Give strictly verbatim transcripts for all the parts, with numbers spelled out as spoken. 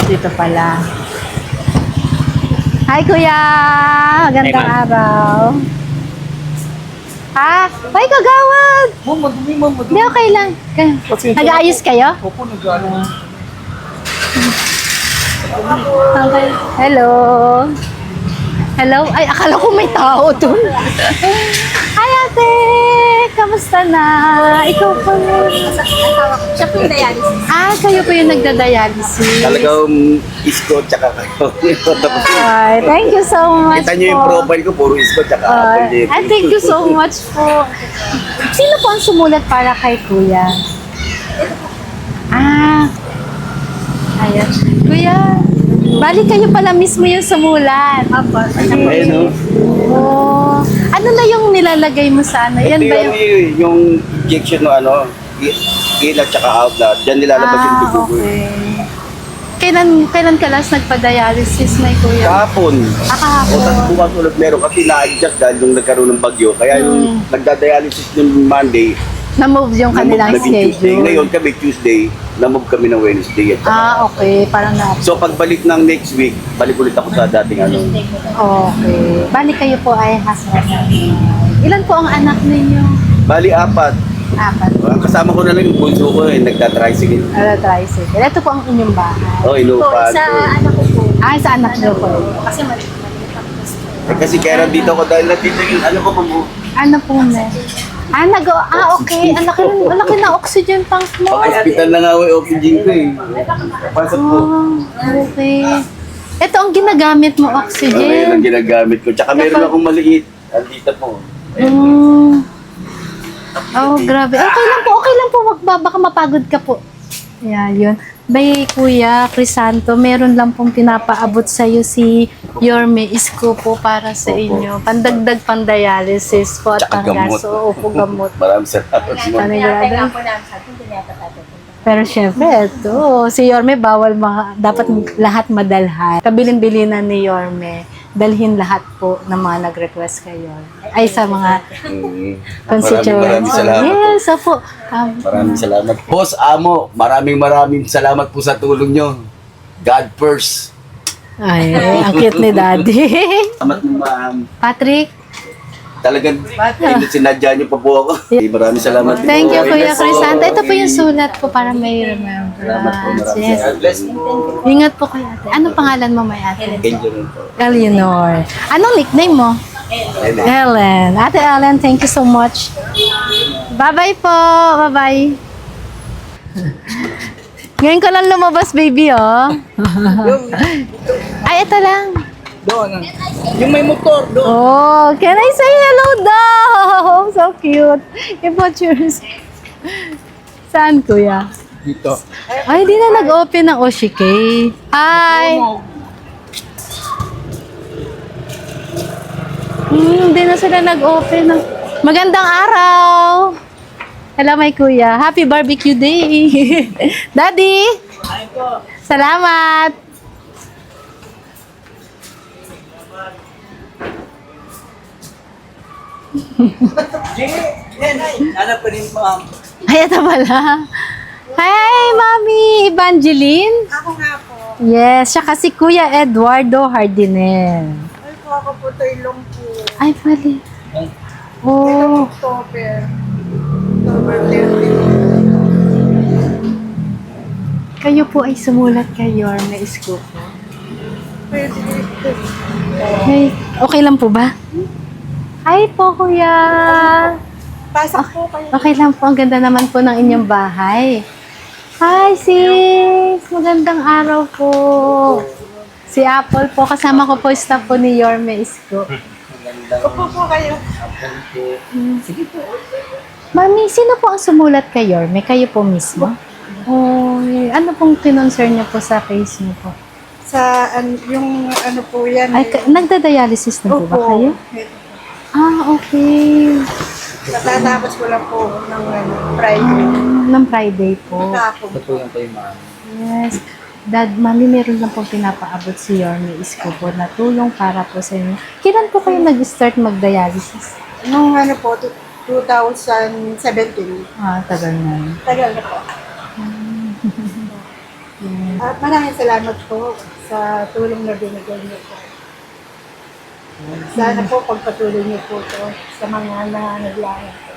dito pala. Hi, Kuya! Magandang Hi, araw. Ha? Ay, kagawad! Ma'am, madumi, ma'am, madumi. Hindi, okay lang. Pasensya na Nag-aayos po. kayo? Opo, nag-aayos. Okay. Hello. Hello? Ay, akala ko may tao doon. Hi, ate! Kamusta na? Ikaw po yun. Siya po yung dialysis. Ah, kayo po yung nagda-dialysis. Talagang isko tsaka kayo. Tapos Ay, thank you so much kita nyo yung po. profile ko, puro isko tsaka Ay, apple. ay, thank you so much po. Sino po ang sumulat para kay Kuya? Ah, ayan. Kuya, bali kayo pala mismo yung sumulat. Apo. Ayun, no? Oh, ano na yung nilalagay mo sa ano? Yan Ito ba yung, yung... yung injection no ano, i- in at tsaka out na. Diyan nilalabas yung Ah, dugo ko. eh. okay. Kailan, kailan ka last nagpa-dialysis na Kuya? Kahapon. Ah, kahapon. O tapos bukas ulit meron kasi na-adjust dahil nung nagkaroon ng bagyo. Kaya yung Hmm. nagda-dialysis ng Monday, Na-move yung kanilang na-move naging Tuesday. schedule. Ngayon kami Tuesday, na-move kami ng Wednesday. At saka- Ah, okay. Parang na... So pagbalik ng next week, balik ulit ako sa dating ano. Okay. Bali kayo po ay husband. Ilan po ang anak ninyo? Bali apat. Apat. Kasama ko na lang yung bunso ko eh, nagta-tricycle. Ano, tricycle. Ito po ang inyong bahay. Oh, Po, inupan. sa anak ko po. Ah, sa anak niyo po. Kasi maliit maliit ang gusto. Eh, kasi kaya nandito ako dahil nandito yung ano ko po. Ano po na? Ah, nag ah, okay. Ang laki, ang laki na oxygen tank mo. Pag-hospital na nga ako yung oxygen ko eh. Pasok po. Oh, okay. Ito ang ginagamit mo, Oh, ngayon ang oxygen. ginagamit ko. Tsaka meron akong maliit. Andito po. Mm. Oh, grabe. Okay lang po, okay lang po. Wag ba, baka mapagod ka po. Yeah, yun. Bay, Kuya Crisanto, meron lang pong pinapaabot sa iyo si Yorme Isko po para sa Opo. inyo. Pandagdag pang-dialysis po at Tsaka gamot. pang-gaso. Opo, gamot. Maraming salamat. Ano ma'am. yun? Kaya nga po namin sa atin, hindi yata tayo. Pero syempre, ito, si Yorme bawal mga, dapat lahat madalhan. Kabilin-bilinan ni Yorme, dalhin lahat po ng mga nag-request kay Yorme. Ay, sa mga Mm. constituents. Maraming maraming salamat. Yes, opo. Um, Maraming salamat. Boss Amo, maraming maraming salamat po sa tulong nyo. God first. ay, ang cute ni Daddy. Salamat mo ma'am. Patrick, Talagang sinadya niyo pa po ako. Maraming salamat. thank you, Kuya Crisanto. Ito po yung sulat ko para may Salamat po. remembrance. Maraming Yes. salamat. Bless po. Ingat po kayo, ate. Anong pangalan mo, may ate? Angel rin po. Eleanor. Anong nickname mo? Ellen. Ellen. Ate Ellen, thank you so much. Bye-bye po. Bye-bye. Ngayon ko lang lumabas, baby, oh. Ay, ito lang. Doon. Yung may motor, doon. Oh, can I say hello daw? So cute. I-pictures. Saan, kuya? Dito. Ay, di na nag-open ng Oshike. Hi. Hmm, di na sila nag-open ng... Magandang araw. Hello, my kuya. Happy barbecue day. Daddy. Salamat. Yan, ay. Hanap pa rin, ma'am. Ay, ito pala. Hi, Mami Evangeline. Ako nga po. Yes, siya kasi Kuya Eduardo Hardinel. Ay po, ako po ito ilong po. Ay, mali. Oh, October. October thirty. kayo po ay sumulat kay Yorme Isko po. Pwede. Hey, okay lang po ba? Hi po, Kuya. Pasok po kayo. Okay lang po. Ang ganda naman po ng inyong bahay. Hi, sis. Magandang araw po. Si Apple po. Kasama ko po staff po ni Yorme Isko. Upo po kayo. Mami, sino po ang sumulat kay Yorme? Kayo po mismo? Oh, ano pong kinonsern niyo po sa case niyo po? Sa an, yung ano po yan. Ay, ka- nagda-dialysis na po ba kayo? Ah, okay. Natatapos ko lang po ng ano, Friday. Ah, ng Friday po. Kahapon. Patulang kayo, ma'am. Yes. Dad, mami, meron lang pong pinapaabot si Yorme Isko po na tulong para po sa inyo. Kailan po kayo nag-start mag-dialysis? Nung ano po, two- twenty seventeen. Ah, tagal na. Tagal na po. At maraming salamat po sa tulong na binigay niyo po. Sana po pagpatuloy niyo po to sa mga nangangailangan po.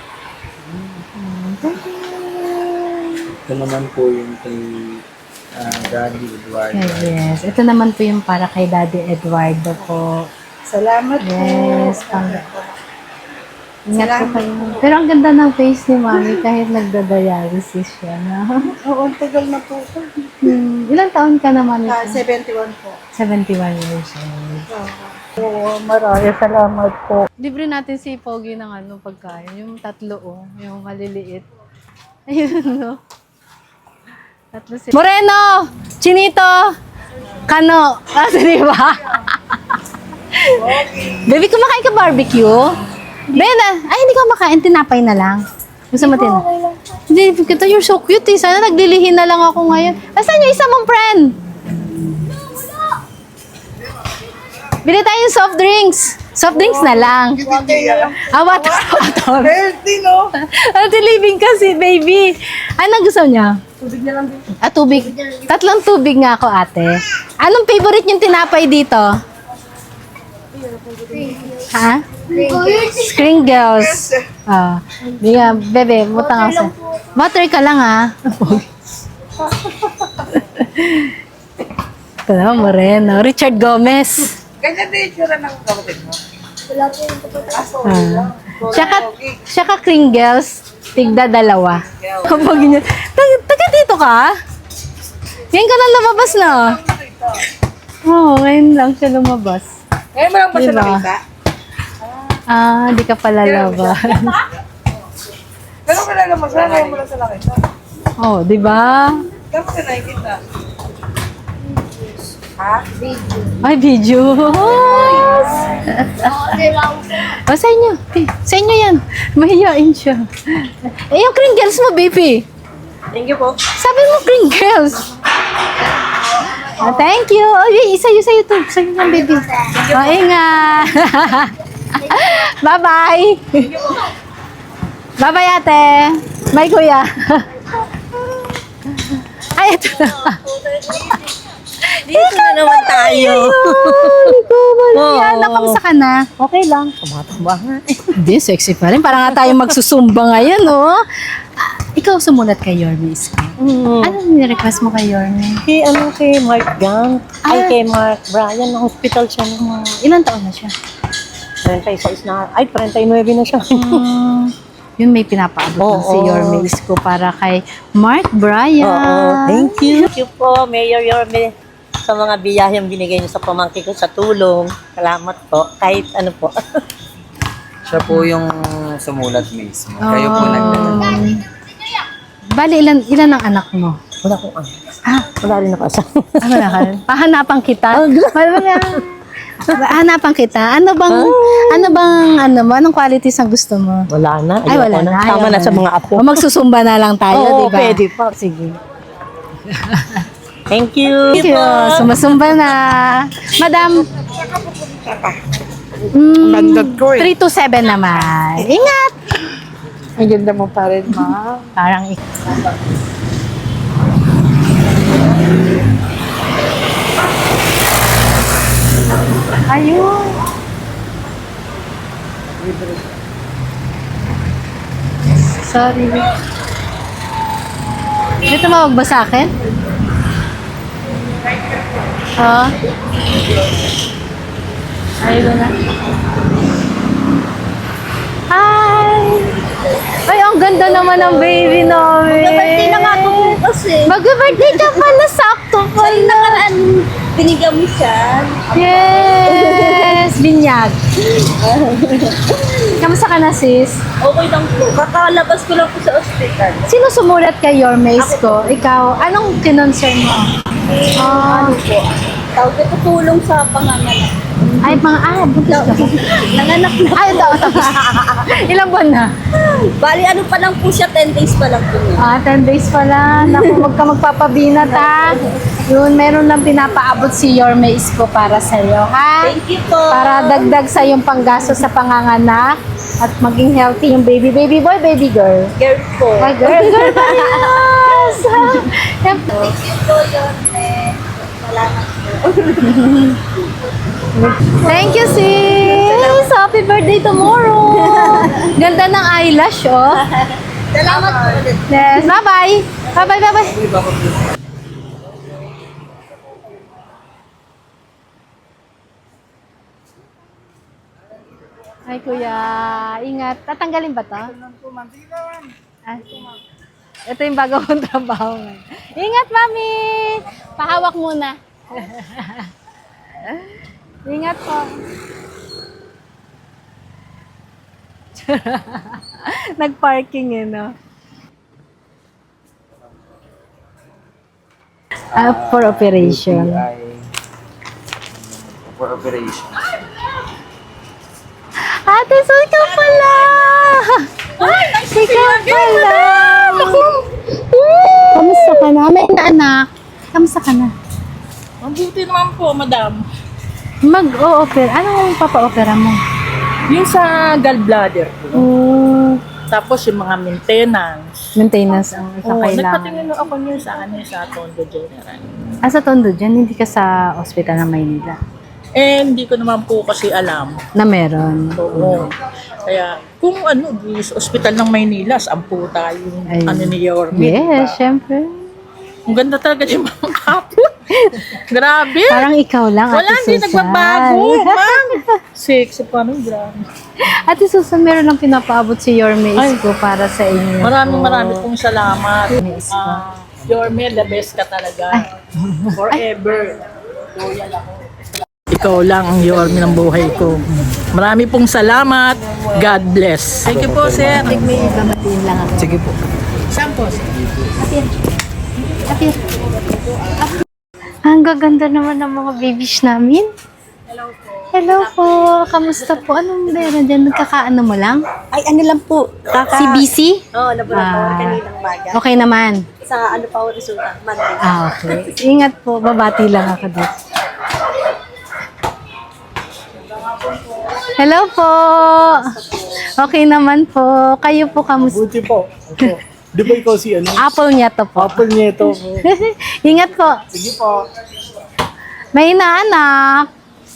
Ito naman po yung kay ah, Daddy Eduardo. Yes, ito naman po yung para kay Daddy Eduardo po. Salamat Yes, po. pang ingat po Salamat kayo. Pero ang ganda ng face ni Mami kahit nagda-dialysis siya. No? Oo, ang tagal na po ito. Hmm, ilang taon ka naman? Ah, seventy-one po. seventy-one years old. Oo, maraming salamat po. Libre natin si Pogi ng ano, pagkain. Yung tatlo, oh. Yung maliliit. Ayun, no? Tatlo si... Moreno! Chinito! Kano! Ah, di ba? Baby, kumakain ka barbecue? Ben, ah, ay, hindi ka makain. Tinapay na lang. Gusto mo tin? Hindi, kita, you're so cute eh. Sana naglilihin na lang ako ngayon. Asan yung isa mong friend? Bili tayong soft drinks. Soft drinks na lang. Ah, water bottle. Healthy, no? Healthy living kasi, baby. Ano gusto niya? Tubig na lang din. Ah, tubig. Tatlong tubig nga ako, ate. Anong favorite yung tinapay dito? Ha? Sprinkles. Ah, biga, bebe, butang ako sa. Water ka lang, ha? Ito na, Moreno. Richard Gomez. Ganyan din yung tsura ng kapatid mo. Ah. Tsaka, tsaka Kringles, tigda dalawa. Kapag niya, taga, taga dito ka? Ngayon ka lang lumabas na. Oo, oh, ngayon lang siya lumabas. Ngayon mo lang ba siya Diba? nakita? Ah, di ka pala laban. Ganun ka lang naman siya, ngayon mo lang siya nakita. Oh, di ba? Ganun ka nakikita. Ha? Ay, video. Oh, sa inyo. Eh, Sa inyo yan. Mahihain siya. Eh, yung Kringles mo, baby. Thank you po. Sabi mo, Kringles. Ah, thank you. Oh, y- isa yun sa'yo to. Sa'yo yan, baby. Oh, ingat. Bye-bye. Bye-bye, ate. Bye, kuya. Ay, ito na. Dito na naman tayo. Ikaw, Oo. Mariana, kamusta ka na? Okay lang. Tumatamba nga. Hindi, sexy pa rin. Parang nga tayo magsusumba ngayon, oh. Ah, ikaw sumulat kay Yorme Isko. Mm. Ano ni-request mo kay Yorme? Kay, ano, kay Mark Gant. Ay, Ah. kay Mark Brian. Na hospital siya. No? Ilan taon na siya? thirty-six na. Ay, thirty-nine na siya. Hmm, yun may pinapaabot Oo. ng si Yorme Isko para kay Mark Brian. Oo. Thank you. Thank you po, Mayor Yorme, sa mga biyayang binigay niyo sa pamangkin ko sa tulong. Salamat po. Kahit ano po. Siya po yung sumulat mismo. Kayo po Um, nagdala. Bali, ilan, ilan ang anak mo? Wala akong ano. Ah, Wala rin ako sa. ah, wala ka. Pahanapan kita. Wala Hanapan kita. Ano bang, ano bang, ano mo? Anong qualities ang gusto mo? Wala na. Ay, Ayoko wala na. na. Ayaw Tama na na. sa mga apo. O magsusumba na lang tayo, Oo, di ba? pwede pa. Sige. Thank you. Thank you. Sumasumba na. Madam. Mm, three to seven naman. Ingat. Ang ganda mo pa rin, ma. Parang ik- Ayun. Sorry. May tumawag ba sa akin? Oo. Ayun na. Hi! Ay, ang ganda naman ng baby namin. Birthday na nga ako bukas eh. Mag-birthday ka pala, sakto pala. Nakaraan, binigyan mo siya. Yes! Binyag. Kamusta ka na, sis? Okay lang po. Kakalabas ko lang po sa ospital. Sino sumulat kay Yorme Isko? Ikaw, anong kinonsern mo? Ah, Ano po? Tawag ko tulong sa panganganak. ay, mga, ah, buntis ka ba? Nanganak na. Ay, ito, ito. Ilang buwan na? Bali, ano pa lang po siya, ten days pa lang po niya. Ah, ten days pala. Naku, huwag ka magpapabinat, ha? Yun, meron lang pinapaabot si Yorme Isko para sa'yo, ha? Thank you po. Para dagdag sa yung panggasto sa panganganak at maging healthy yung baby. Baby boy, baby girl? Girl po. Ay, girl, girl pa rin. Yan. Thank you, sis! Happy birthday tomorrow! Ganda ng eyelash, oh. Salamat po ulit. Yes, bye-bye! Bye-bye, bye-bye! Ay, kuya. Ingat. Tatanggalin ba to? Ah, ito yung bago kong trabaho. Ingat, mami! Pahawak muna. Ingat po. Nag-parking eh, no? Ah, for operation. Ay, for operation. Ate, so ikaw pala! Ikaw pala! Kamusta ka na? May na anak. Kamusta ka na? Mabuti naman po, madam. Mag-o-opera. Anong papa-opera mo? Yung sa gallbladder ko. Oh, Tapos yung mga maintenance. maintenance ang Oo, kakailangan. nagpatingin ako niyo sa ano sa Tondo General. Ah, sa Tondo dyan, hindi ka sa ospital ng Maynila. Eh, hindi ko naman po kasi alam. Na meron. Oo. Kaya, kung ano, di sa ospital ng Maynila, saan po tayo, Ay. ano ni Yorme. Yes, syempre. Ang ganda talaga yung mga kapon. Grabe. Parang ikaw lang, Wala, Ate hindi Susan. nagbabago, ma'am. Sexy pa rin, grabe. Ate Susan, meron lang pinapaabot si Yorme Isko para sa inyo. Maraming po. maraming pong salamat. Yes, Ah, Yorme, the best ka talaga. Forever. Loyal ako. Ikaw lang ang Yorme ng buhay ko. Marami pong salamat. God bless. Thank you po, sir. May gamatin lang ako. Sige po. Saan po, sir? Apir. Apir. Ang gaganda naman ng mga babies namin. Hello po. Hello po. Kamusta po? Anong meron dyan? Nagkakaano mo lang? Ay, ano lang po. Kaka... Si B C? Oo, oh, laboratory Ah. kaninang maga. Okay naman. Sa ano pa ang resulta? Monday. Ah, okay. Ingat po. Babati lang ako dito. Hello po. Okay naman po. Kayo po kamusta? Buti po. Opo. Di ba ikaw si ano? Apple niya to po. Apple niya ito. Ingat po. Sige po. May inaanak.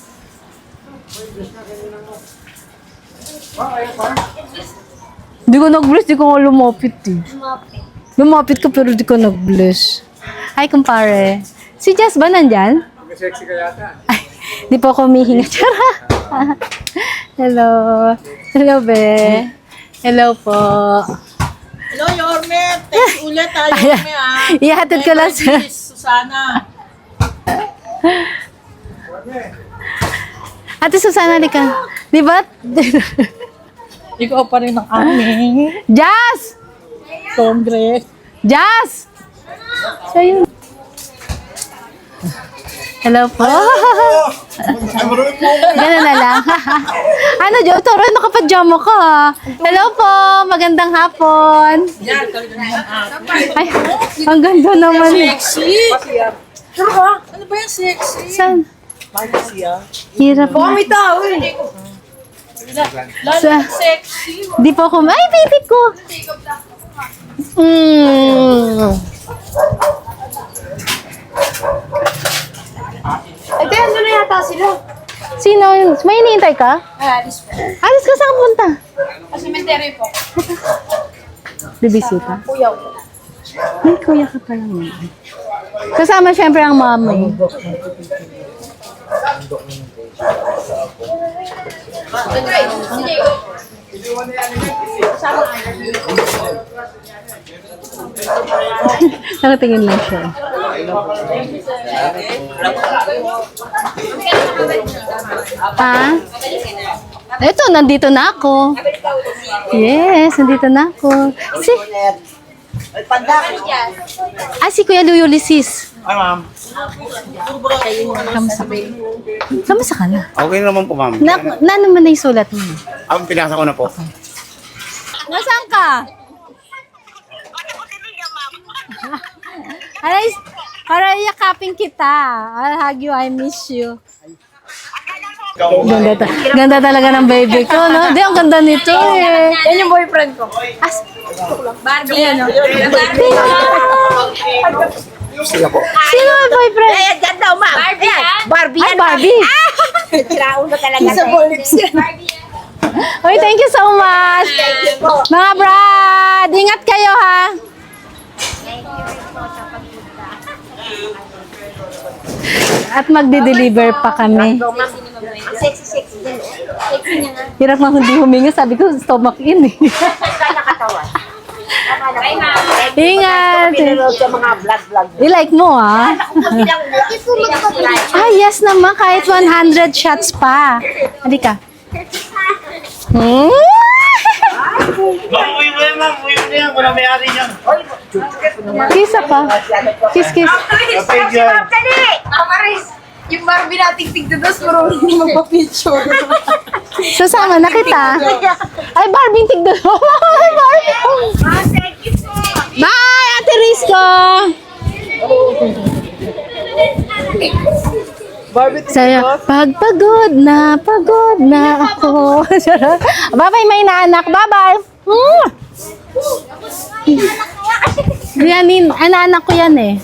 Di ko nag-bless, di ko nga lumapit eh. Lumapit ka pero di ko nag-bless. Hi, kumpare. Si Jess ba nandyan? Sexy ka yata. Ay, di po ako humihinga. Tara. Hello. Hello, be. Hello po. Hello, Yorme. Thanks ulit, ha, Yorme, ha. Ihatid ko lang sa... Susana. Ate Susana, di ka. Di ba? Ikaw pa rin ang aming Jazz! Congress. Jazz! So, yun. Hello po. Ganun na lang. Ano, Jo? Toro, nakapajama ka. Hello po. Magandang hapon. Ay, ang ganda naman. Sexy. Ano ba? Ano ba yung sexy? Saan? Sexy, ah. Hirap na. May tao eh. Lalo Sa- sexy. Di po ako. Ay, baby ko. Mm. Ate, ano na yata sila? Sino yun? May iniintay ka? Ah, this po. Alis ka, saan ka punta? Sa cemetery po. Bibisita. Kuya ko. Ay, kuya ka pala mo. Kasama syempre ang mama eh. Nakatingin lang siya. Ha? Ito, nandito na ako. Yes, nandito na ako. Si, ah, si Kuya Lulisis. Ay, ma'am. Kamusta ka? Kamusta ka na? Okay naman po, ma'am. Na, na naman na yung sulat mo. Ang pinasa ko na po. Nasaan ka? Aray, para yakapin kita. I'll hug you, I miss you. Ganda, ta- ganda talaga ng baby ko, no? Di, ang ganda nito eh. Yan yung boyfriend ko. As, Barbie, ano? Sila po. Sino ang boyfriend? Ayan, dyan daw, ma'am. Barbie, ah? Barbie Ay, yan, Barbie. Siraulo talaga. Kissable lips yan. Uy, thank you so much. Mga brad, ingat kayo ha. At magde-deliver pa kami. Sexy, sexy din. Sexy niya nga. Hirap nga hindi huminga. Sabi ko, stomach in eh. Kaya katawan. Ingat. Pinanood sa mga vlog-vlog. I-like mo ah. Bilang Ah, yes naman. Kahit one hundred shots pa. Halika. Hmm? Ma'am, uwi mo yan, ma'am. Uwi mo na yan. Wala may-ari niyan. Kiss pa. Kiss, kiss. Kapag yan. Amaris, yung Barbie nating tigdados, puro hindi magpa-picture. Sasama na kita. Ay, Barbie, tignan mo. Ay, Barbie. Bye, Ate Risco. Saya, pagpagod na, pagod na ako. Bye-bye, may naanak. Bye-bye. Hmm. Yan, nin- anak ko yan eh.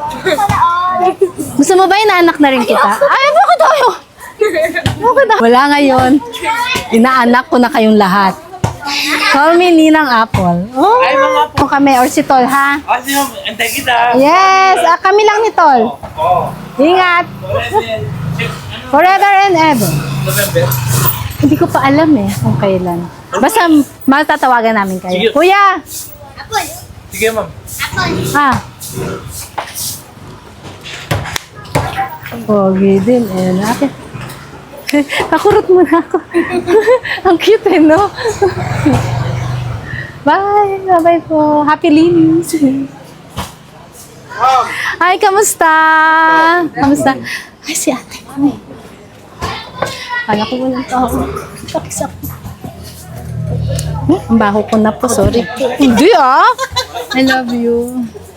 Gusto mo ba inaanak na rin kita? Ay, bakit tayo? Bakit tayo? Wala ngayon. Inaanak ko na kayong lahat. Call me Ninang Apple. Oh, ay, mga po. Kami, or si Tol, ha? Ah, sino? Antay kita. Yes, ah, kami lang ni Tol. Oo. Ingat. Forever and ever. November. Hindi ko pa alam eh kung kailan. Basta matatawagan namin kayo. Sige. Kuya! Sige, ma'am. Ah. Pogi din eh. Nakit. Nakurot mo na ako. Ang cute eh, no? Bye! Bye-bye po. Happy linis. Hi, kamusta? Kamusta? Ay, si ate. Ay. Kala ko walang tao. Saksak. Hmm, ang baho ko na po, sorry. Hindi ah! I love you.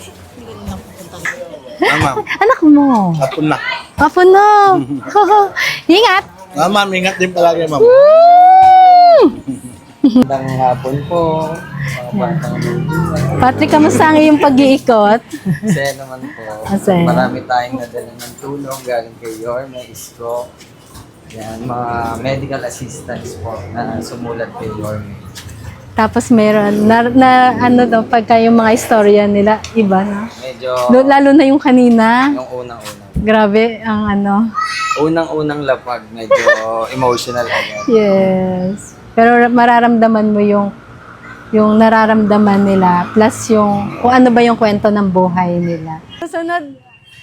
Ah, ma'am. Anak mo. Hapon na. Apo no. Ingat. Ah, ma'am. Ingat din palagi, ma'am. Woo! Magandang hapon po. Mga batang lulu. Patrick, kamusta ang iyong pag-iikot? Masaya naman po. Masaya. Marami tayong nadala ng tulong galing kay Yorme, Isko. Yan, mga medical assistants po na sumulat kay Yorme. Tapos meron, na, na ano daw, pagka yung mga istorya nila, iba na. Medyo Lo- Lalo na yung kanina. yung unang-unang. Grabe ang ano. Unang-unang lapag, medyo emotional agad. Yes. Pero mararamdaman mo yung yung nararamdaman nila plus yung kung ano ba yung kwento ng buhay nila. Susunod.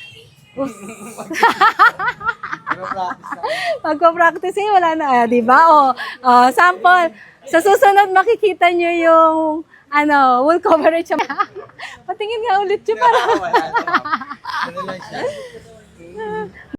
Magpa-practice eh, wala na, ah, di ba? O, oh, sample. Sa susunod, makikita nyo yung ano, wool coverage. Patingin nga ulit yun para. Wala na, ma'am. Ano lang siya?